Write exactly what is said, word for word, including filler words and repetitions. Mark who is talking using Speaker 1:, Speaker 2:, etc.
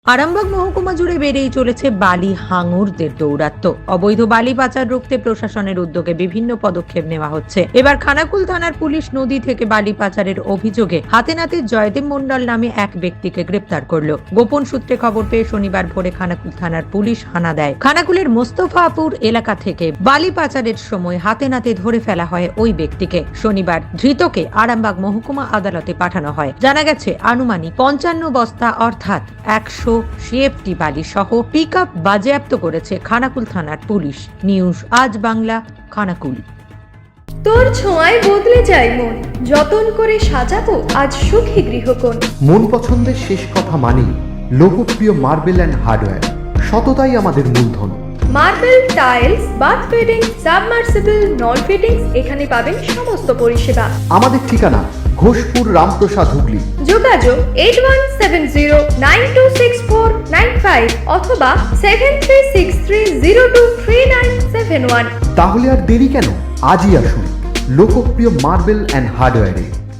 Speaker 1: আরামবাগ মহকুমা জুড়ে বেড়েই চলেছে বালি হাঙুরদের দৌরাত্ম্য। অবৈধ বালি পাচার রুখতে প্রশাসনের উদ্যোগে বিভিন্ন পদক্ষেপ নেওয়া হচ্ছে। এবার খানাকুল থানার পুলিশ নদী থেকে বালি পাচারের অভিযোগে হাতে নাতে জয়দেব মণ্ডল নামে এক ব্যক্তিকে গ্রেপ্তার করলো। গোপন সূত্রে খবর পেয়ে শনিবার ভোরে খানাকুল থানার পুলিশ হানা দেয়। খানাকুলের মোস্তফাপুর এলাকা থেকে বালি পাচারের সময় হাতে নাতে ধরে ফেলা হয় ওই ব্যক্তিকে। শনিবার ধৃতকে আরামবাগ মহকুমা আদালতে পাঠানো হয়। জানা গেছে আনুমানিক পঞ্চান্ন বস্তা অর্থাৎ একশো সিএফটি বালি সহ পিক আপ বাজেয়াপ্ত করেছে খানাকুল থানার পুলিশ। নিউজ আজ বাংলা, খানাকুল।
Speaker 2: তোর ছোঁয়ায় বদলে যায় মন, যতন করে সাজাবো আজ সুখী গৃহকোণ।
Speaker 3: মন পছন্দের শেষ কথা মানি লোকপ্রিয় মার্বেল অ্যান্ড হার্ডওয়্যার, সততাই আমাদের মূলধন।
Speaker 2: Marble, tiles, bath fittings, submersible, নল ফিটিংস, এখানে পাবেন সমস্ত পরিষেবা।
Speaker 3: আমাদের ঠিকানা ঘোষপুর, রামপ্রসাদ, হুগলি।
Speaker 2: যোগাযোগ eight one seven zero nine two six four nine five অথবা seven three six three zero two three nine seven one.
Speaker 3: তাহলে আর দেরি কেন, আজই আসুন লোকপ্রিয় মার্বেল অ্যান্ড হার্ডওয়্যারে।